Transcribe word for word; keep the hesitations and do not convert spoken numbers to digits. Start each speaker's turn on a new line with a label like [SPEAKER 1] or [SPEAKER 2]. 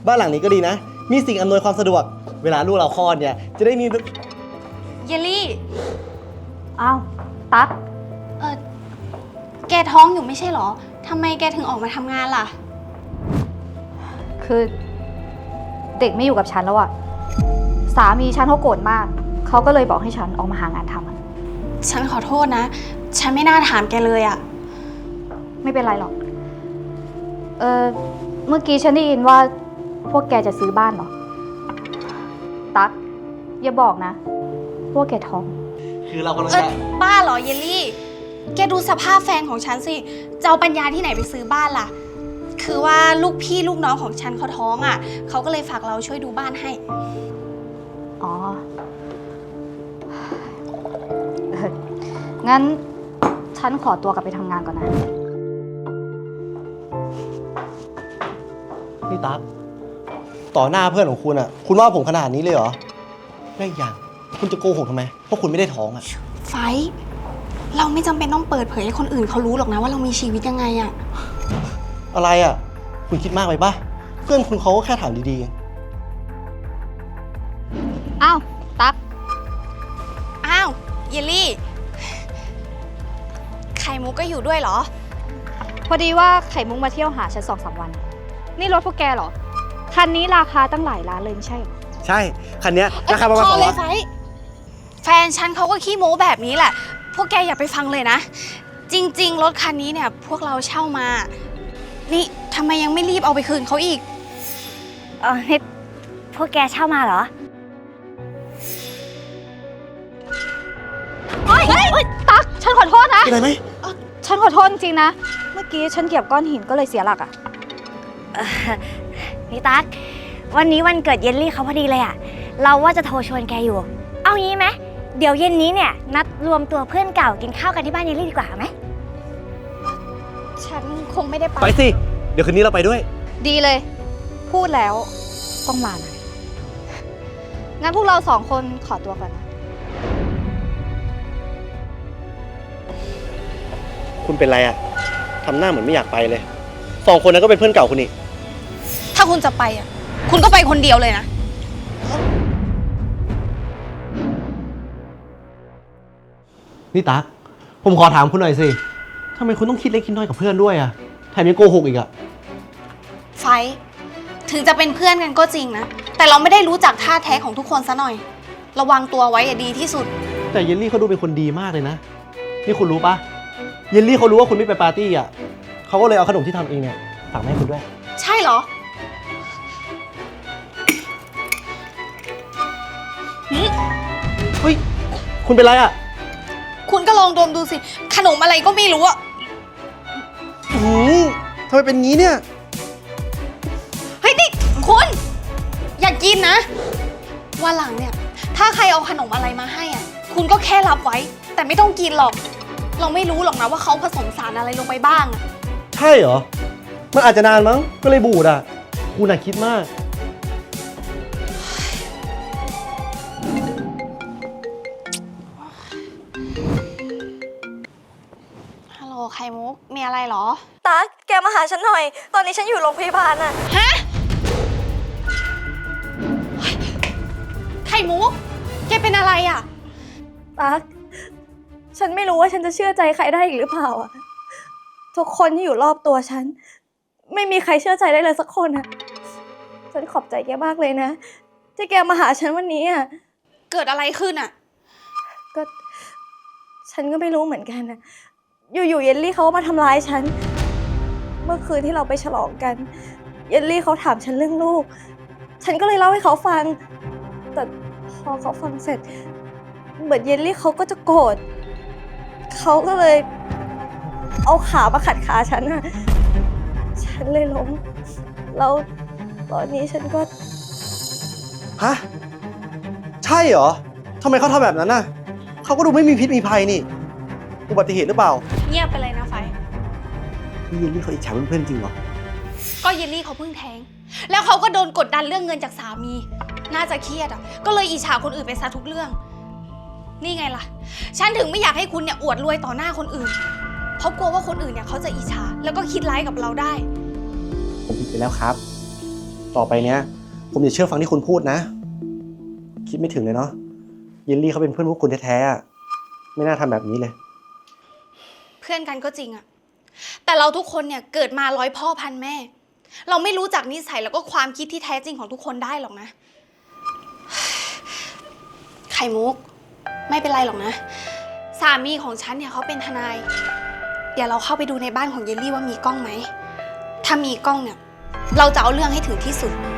[SPEAKER 1] บ้านหลังนี้ก็ดีนะ มีสิ่งอำนวยความสะดวก เวลาลูกเราคลอดเนี่ยจะได้มี
[SPEAKER 2] เยลลี่
[SPEAKER 3] อ้าวตั๊ก
[SPEAKER 2] เออแกท้องอยู่ไม่ใช่หรอทำไมแกถึงออกมาทำงานล่ะ
[SPEAKER 3] คือเด็กไม่อยู่กับฉันแล้วอะสามีฉันเขาโกรธมากเขาก็เลยบอกให้ฉันออกมาหางานทำอะ
[SPEAKER 2] ฉันขอโทษนะ ฉันไม่น่าถามแกเลยอะ
[SPEAKER 3] ไม่เป็นไรหรอกเออเมื่อกี้ฉันได้ยินว่าพวกแกจะซื้อบ้านเหรอตั๊กอย่าบอกนะพวกแกท้อง
[SPEAKER 1] คือเรากำลัง
[SPEAKER 2] เออ
[SPEAKER 1] จะ
[SPEAKER 2] บ้าเหรอเยลลี่แกดูสภาพแฟนของฉันสิจะเอาปัญญาที่ไหนไปซื้อบ้านล่ะคือว่าลูกพี่ลูกน้องของฉันเขาท้องอ่ะเขาก็เลยฝากเราช่วยดูบ้านให้
[SPEAKER 3] อ๋อเอองั้นฉันขอตัวกลับไปทำงานก่อนนะ
[SPEAKER 1] นี่ตั๊กต่อหน้าเพื่อนของคุณอ่ะคุณว่าผมขนาดนี้เลยเหรอได้อย่างคุณจะโกหกทำไมเพราะคุณไม่ได้ท้องอ่ะ
[SPEAKER 2] ไฟเราไม่จำเป็นต้องเปิดเผยให้คนอื่นเขารู้หรอกนะว่าเรามีชีวิตยังไงอะ
[SPEAKER 1] อะไรอ่ะคุณคิดมากไปปะเพื่อนคุณเขาก็แค่ถามดี
[SPEAKER 3] ๆอ้าวตั๊ก
[SPEAKER 2] อ้าวเยลลี่ไข่มุกก็อยู่ด้วยเหรอ
[SPEAKER 3] พอดีว่าไข่มุกมาเที่ยวหาฉันสองสามวันนี่รถพวกแกเหรอคันนี้ราคาตั้งหลายล้านเลยไม่ใช่หรอ
[SPEAKER 1] ใช่คันนี้ราคาประมาณสองล้าน
[SPEAKER 2] แฟนฉันเขาก็ขี้โม้แบบนี้แหละพวกแกอย่าไปฟังเลยนะจริงๆรถคันนี้เนี่ยพวกเราเช่ามานี่ทำไมยังไม่รีบเอาไปคืนเขาอีก
[SPEAKER 3] เออนี่พวกแกเช่ามาเหรอโอ๊ยตั๊กฉันขอโทษนะ
[SPEAKER 1] เป็นไรไหม
[SPEAKER 3] ฉันขอโทษจริงๆนะเมื่อกี้ฉันเหยียบก้อนหินก็เลยเสียหลักอ่ะ
[SPEAKER 4] นี่ตั๊กวันนี้วันเกิดเยลลี่เขาพอดีเลยอะเราว่าจะโทรชวนแกอยู่เอางี้ไหมเดี๋ยวเย็นนี้เนี่ยนัดรวมตัวเพื่อนเก่ากินข้าวกันที่บ้านเยลลี่ดีกว่าไหม
[SPEAKER 2] ฉันคงไม่ได้ไป
[SPEAKER 1] ไปสิเดี๋ยวคืนนี้เราไปด้วย
[SPEAKER 3] ดีเลยพูดแล้วต้องมานะงั้นพวกเราสองคนขอตัวก่อนนะ
[SPEAKER 1] คุณเป็นไรอะทำหน้าเหมือนไม่อยากไปเลยสองคนนั้นก็เป็นเพื่อนเก่าคุณนี่
[SPEAKER 2] ถ้าคุณจะไปอ่ะคุณก็ไปคนเดียวเลยนะ
[SPEAKER 1] นี่ตั๊กผมขอถามคุณหน่อยสิทำไมคุณต้องคิดเล็กคิดน้อยกับเพื่อนด้วยอะแถมยังโกหกอีกอะ
[SPEAKER 2] ไฟถึงจะเป็นเพื่อนกันก็จริงนะแต่เราไม่ได้รู้จักท่าแท้ของทุกคนซะหน่อยระวังตัวไว้อะดีที่สุด
[SPEAKER 1] แต่เยลลี่เขาดูเป็นคนดีมากเลยนะนี่คุณรู้ปะเยลลี่เขารู้ว่าคุณไม่ไปปาร์ตี้อะเขาก็เลยเอาขนมที่ทำเองเนี่ยฝากมาให้คุณด้วย
[SPEAKER 2] ใช่เหรอ
[SPEAKER 1] เฮ้ยคุณเป็นไรอะ
[SPEAKER 2] คุณก็ลองดมดูสิขนมอะไรก็ไม่รู้อะ
[SPEAKER 1] หืมทำไมเป็นงี้เนี่ย
[SPEAKER 2] เฮ้ยนี่คุณอย่ากินนะวันหลังเนี่ยถ้าใครเอาขนมอะไรมาให้อ่ะคุณก็แค่รับไว้แต่ไม่ต้องกินหรอกเราไม่รู้หรอกนะว่าเขาผสมสารอะไรลงไปบ้างอะ
[SPEAKER 1] ใช่เหรอมันอาจจะนานมั้งก็เลยบูดอ่ะคุณน่ะคิดมาก
[SPEAKER 2] ฮัลโหลไข่มุกมีอะไรเหรอ
[SPEAKER 4] ตั๊กแกมาหาฉันหน่อยตอนนี้ฉันอยู่โรงพยาบาลอะ
[SPEAKER 2] ฮะไข่มุกแกเป็นอะไรอะ
[SPEAKER 4] ตั๊กฉันไม่รู้ว่าฉันจะเชื่อใจใครได้อีกหรือเปล่าอะทุกคนที่อยู่รอบตัวฉันไม่มีใครเชื่อใจได้เลยสักคนอะฉันขอบใจแกมากเลยนะที่แกมาหาฉันวันนี้อะ
[SPEAKER 2] เกิดอะไรขึ้นอะ
[SPEAKER 4] ก็ฉันก็ไม่รู้เหมือนกันนะอยู่ๆเยลลี่เขาก็มาทำร้ายฉันเมื่อคืนที่เราไปฉลองกันเยลลี่เขาถามฉันเรื่องลูกฉันก็เลยเล่าให้เขาฟังแต่พอเขาฟังเสร็จเหมือนเยลลี่เขาก็จะโกรธเขาก็เลยเอาขามาขัดขาฉันอะฉันเลยล้มแล้วตอนนี้ฉันก็
[SPEAKER 1] ฮะใช่เหรอทำไมเขาทำแบบนั้นน่ะเขาก็ดูไม่มีพิษมีภัยนี่อุบัติเหตุหรือเปล่า
[SPEAKER 2] เงียบไปเลยนะไฟ
[SPEAKER 1] นี่เยลลี่เขาอิจฉาเพื่อนๆจริงเหรอ
[SPEAKER 2] ก็เยลลี่เขาเพิ่งแท้งแล้วเขาก็โดนกดดันเรื่องเงินจากสามีน่าจะเครียดอ่ะก็เลยอิจฉาคนอื่นไปซะทุกเรื่องนี่ไงล่ะฉันถึงไม่อยากให้คุณเนี่ยอวดรวยต่อหน้าคนอื่นเพราะกลัวว่าคนอื่นเนี่ยเขาจะอิจฉาแล้วก็คิดร้ายกับเราได้
[SPEAKER 1] ผมผิดไปแล้วครับต่อไปเนี้ย ผมจะเชื่อฟังที่คุณพูดนะ คิดไม่ถึงเลยเนาะเยลลี่เขาเป็นเพื่อนพวกคุณแท้ๆอะไม่น่าทำแบบนี้เลย
[SPEAKER 2] เพื่อนกันก็จริงอะแต่เราทุกคนเนี่ยเกิดมาร้อยพ่อพันแม่ เราไม่รู้จักนิสัยแล้วก็ความคิดที่แท้จริงของทุกคนได้หรอกนะ ไข่มุก ไม่เป็นไรหรอกนะ สามีของฉันเนี่ยเขาเป็นทนาย เดี๋ยวเราเข้าไปดูในบ้านของเยลลี่ว่ามีกล้องไหม ถ้ามีกล้องเนี่ย เราจะเอาเรื่องให้ถึงที่สุด